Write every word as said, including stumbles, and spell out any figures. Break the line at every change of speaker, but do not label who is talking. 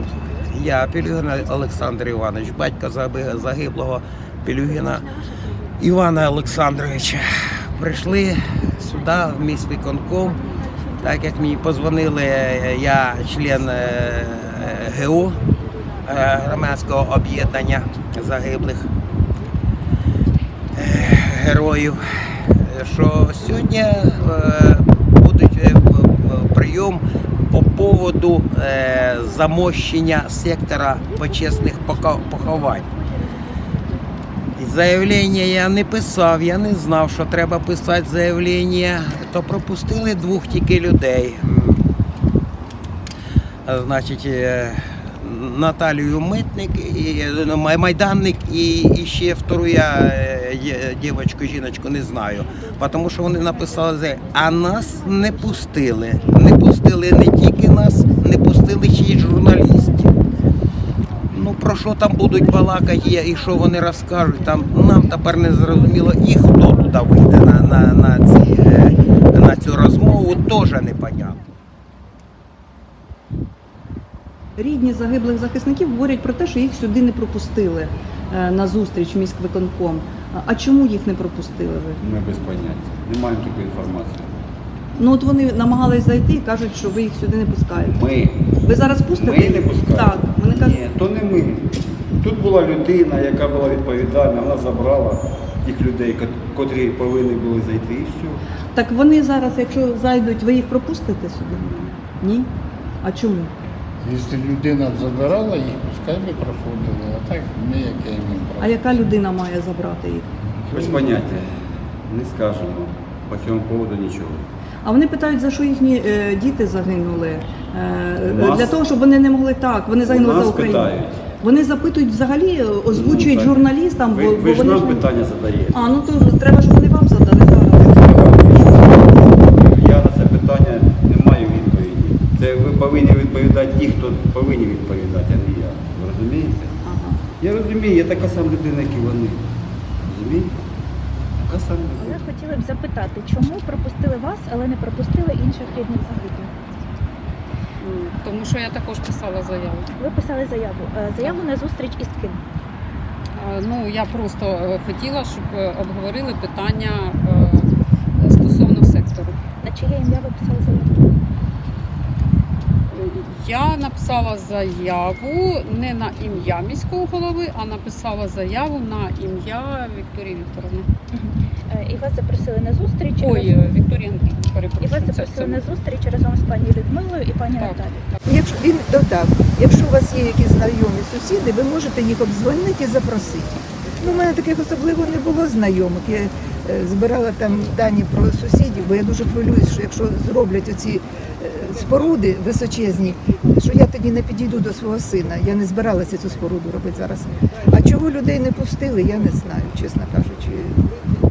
Я Пелюгін Олександр Іванович, батько загиблого Пелюгіна Івана Олександровича. Прийшли сюди, в міськвиконком, так як мені позвонили, я член ГО, громадського об'єднання загиблих героїв, що сьогодні буде прийом по поводу замощення сектора почесних поховань. Заявлення я не писав, я не знав, що треба писати заявлення, то пропустили двох тільки людей. Значить, Наталію Митник, і, Майданник і, і ще втору я дівчинку, жіночку не знаю. Тому що вони написали, а нас не пустили. Не пустили не тільки нас, не пустили ще й журналістів. Ну, про що там будуть балакати і що вони розкажуть, там нам тепер не зрозуміло, і хто туди вийде на, на, на, ці, на цю розмову, теж непонятно.
Рідні загиблих захисників говорять про те, що їх сюди не пропустили на зустріч міськвиконком. А чому їх не пропустили ви?
Ми без поняття. Не маємо такої інформації.
Ну от вони намагались зайти і кажуть, що ви їх сюди не пускаєте.
Ми.
Ви зараз пустите?
Ми не пускаємо.
Так. Вони кажуть...
Ні, то не ми. Тут була людина, яка була відповідальна, вона забрала тих людей, котрі повинні були зайти, і все.
Так вони зараз, якщо зайдуть, ви їх пропустите сюди? Ні? А чому?
Якщо людина забирала їх, пускай би проходили, а так ми яке їм право.
А яка людина має забрати їх?
Без поняття. Не скажемо. По цьому поводу нічого.
А вони питають, за що їхні е, діти загинули. Е,
Нас?
Для того, щоб вони не могли так, вони загинули
Нас
за Україну.
питають.
Вони запитують взагалі, озвучують
Ну,
журналістам,
ви,
бо,
ви
бо
ж
вони
нам
ж...
питання задаєте.
А, ну то треба, щоб вони вам задали зараз.
Я на це питання не маю відповіді. Це ви повинні відповідати ті, хто повинні відповідати, а не я. Ви розумієте?
Ага.
Я розумію, я така сама людина, як і вони. Розумієте? Така сама
Але
людина.
хотіли б запитати, чому пропустили вас, але не пропустили інших рідних загиблих?
М, Тому що я також писала заяву.
Ви писали заяву. Е, Заяву на зустріч із ким?
Е, Ну, я просто е, хотіла, щоб е, обговорили питання е, стосовно сектору.
На чиє ім'я ви писали заяву?
Я написала заяву не на ім'я міського голови, а написала заяву на ім'я Вікторії Вікторовни.
Е, І вас запросили на зустріч.
Ой,
разом-
е, Вікторії Андріївни,
І вас
перепрошую. це-
запросили
це-
на зустріч разом з пані Людмилою і пані
Так.
Наталією.
Якщо він додав, якщо у вас є якісь знайомі сусіди, ви можете їх обдзвонити і запросити. Ну, у мене таких особливо не було знайомих. Я е, збирала там дані про сусідів, бо я дуже хвилююсь, що якщо зроблять оці е, споруди височезні, що я тоді не підійду до свого сина. Я не збиралася цю споруду робити зараз. А чого людей не пустили, я не знаю, чесно кажучи.